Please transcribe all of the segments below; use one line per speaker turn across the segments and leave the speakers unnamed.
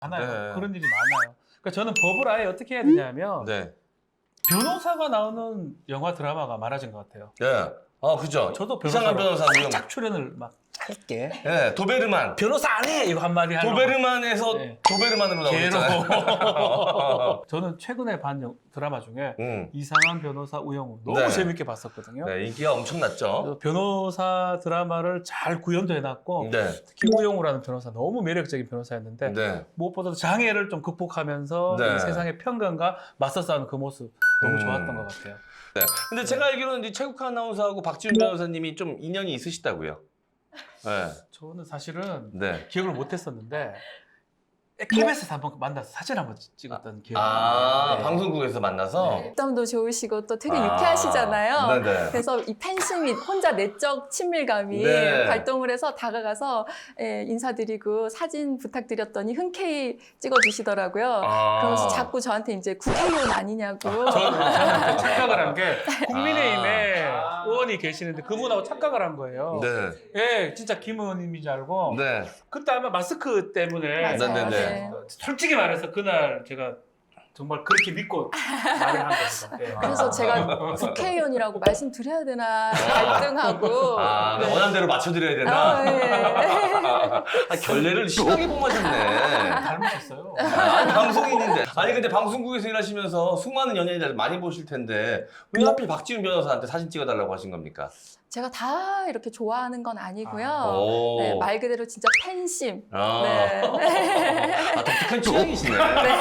많아요.
네.
그런 일이 많아요. 그러니까 저는 법을 아예 어떻게 해야 되냐면
네.
변호사가 나오는 영화 드라마가 많아진 것 같아요.
예. 그죠.
저도
이상한 변호사 무용.
짝 출연을 막 할게.
예, 도베르만.
변호사 안 해! 이거 한마디 하려고.
도베르만에서
네.
도베르만으로 나오잖아요.
개로. 저는 최근에 본 드라마 중에 이상한 변호사 우영우 너무
네.
재밌게 봤었거든요.
네, 인기가 엄청났죠.
그래서 변호사 드라마를 잘 구현도 해놨고
네.
특히 우영우라는 변호사 너무 매력적인 변호사였는데
네.
무엇보다도 장애를 좀 극복하면서
네.
이 세상의 편견과 맞서 싸우는 그 모습 너무 좋았던 것 같아요.
네. 근데 제가 알기로는 이제 최국화 아나운서하고 박지훈 변호사님이 좀 인연이 있으시다고요. 네.
저는 사실은
네.
기억을 못했었는데 KBS에서 한번 만나서 사진 한번 찍었던 기억이
아,
나요. 네.
방송국에서 만나서?
입담도 좋으시고 또 되게 유쾌하시잖아요.
네네.
그래서 이 팬심이 혼자 내적 친밀감이
네.
발동을 해서 다가가서 인사드리고 사진 부탁드렸더니 흔쾌히 찍어주시더라고요. 그러면서 자꾸 저한테 이제 국회의원 아니냐고.
저는 착각을 한 게 국민의힘에 의원이 계시는데 그분하고 착각을 한 거예요.
네.
예, 진짜 김 의원님인 줄 알고
네.
그때 아마 마스크 때문에
맞아요.
네네네.
네.
솔직히 말해서 그날 제가 정말 그렇게 믿고 말을 한 겁니다. 예.
그래서 제가 국회의원이라고 말씀드려야 되나 갈등하고.
네. 원하는 대로 맞춰드려야 되나? 결례를 심하게 범하셨네.
닮으셨어요.
방송인인데. 아니 근데 방송국에서 일하시면서 수많은 연예인들 많이 보실 텐데 왜 하필 박지훈 변호사한테 사진 찍어달라고 하신 겁니까?
제가 다 이렇게 좋아하는 건 아니고요.
오.
네, 말 그대로 진짜 팬심.
아.
네.
독특한 취향이시네.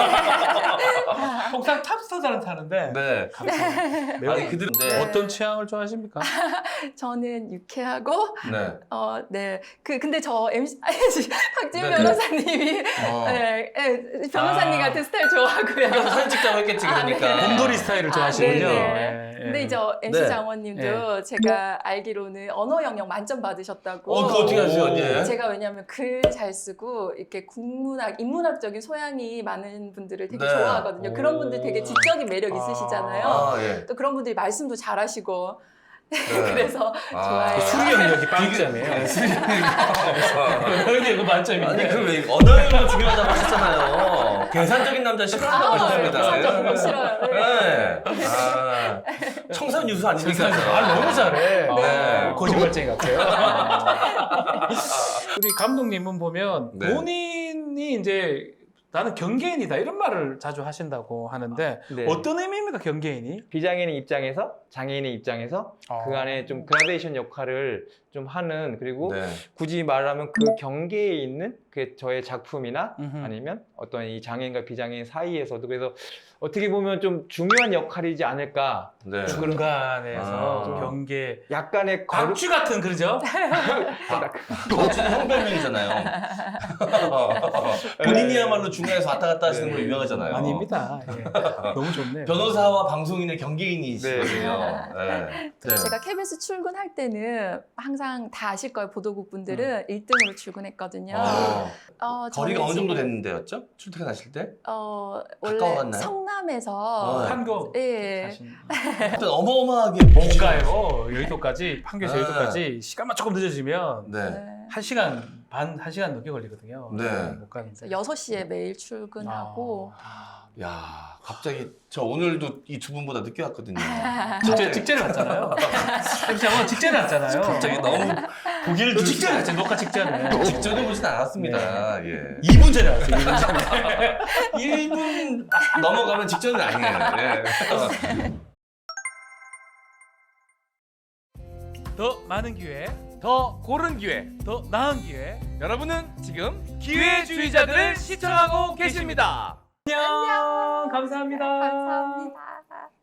통상 탑스타들은 타는데
네.
매우
아니 그들 네.
어떤 취향을 좋아하십니까?
저는 유쾌하고
네.
네. 근데 저 MC 박지훈
네, 네.
변호사님이 변호사님 같은 스타일 좋아하고요.
사진 찍자고 했겠지 그러니까.
네.
곰돌이 스타일을 좋아하시군요.
네네.
예,
근데
예.
이제 MC
네.
장원님도 제가 알기로는 언어 영역 만점 받으셨다고.
그거 어떻게 하세요 언니?
제가 왜냐하면 글 잘 쓰고 이렇게 인문학적인 소양이 많은 분들을 되게
네.
좋아하거든요. 그런 분들 되게 지적인 매력 있으시잖아요.
예.
또 그런 분들이 말씀도 잘하시고
네.
그래서 좋아해요.
수리 영역이 빵점이에요. 여기 이거 만점인데.
아니 그왜 언어가 중요하다고 하셨잖아요. 계산적인 남자 싫어한다고 하셨습니다.
계산적인 거 싫어요.
네. 청산 유수 아닙니까?
너무 잘해.
네.
거짓말쟁이 같아요. 우리 감독님은 보면
네.
본인이 이제 나는 경계인이다 이런 말을 자주 하신다고 하는데
네.
어떤 의미입니까 경계인이?
비장애인 입장에서 장애인의 입장에서 그 안에 좀 그라데이션 역할을 좀 하는 그리고
네.
굳이 말하면 그 경계에 있는 그 저의 작품이나
음흠.
아니면 어떤 이 장애인과 비장애인 사이에서도 그래서 어떻게 보면 좀 중요한 역할이지 않을까
네.
중간에서
아.
경계
약간의
광주 같은 그러죠?
거치는 형별명이잖아요. 본인이야말로 중간에서 왔다 갔다 하시는 걸로 유명하잖아요.
아닙니다. 예. 너무 좋네요.
변호사와 방송인의 경계인이시거든요. 네. 네.
제가 KBS 출근할 때는 항상 다 아실 거예요. 보도국 분들은 1등으로 출근했거든요.
거리가
저는
어느 정도
지금,
됐는데였죠? 출퇴근하실 때?
원래
가까워갔나요?
성남에서
판교
예.
사신
하여튼 어마어마하게
뭔가요? 여의도까지 판교에서
네.
여의도까지 시간만 조금 늦어지면
네.
네.
1시간 반, 1시간 넘게 걸리거든요.
네.
못 가는데.
6시에 매일 출근하고
야, 갑자기 저 오늘도 이 두 분보다 늦게 왔거든요.
직전에 왔잖아요. MC 직전에 왔잖아요.
갑자기 너무 보기를
너 직전에 왔지, 녹화 직전에.
직전에 보진 않았습니다. 예.
2분 전에 왔어요, 2분 전에.
1분 넘어가면 직전은 아니에요. 예.
더 많은 기회,
더 고른 기회.
더 나은 기회.
여러분은 지금 기회주의자들을 시청하고 계십니다.
안녕. 감사합니다.
감사합니다.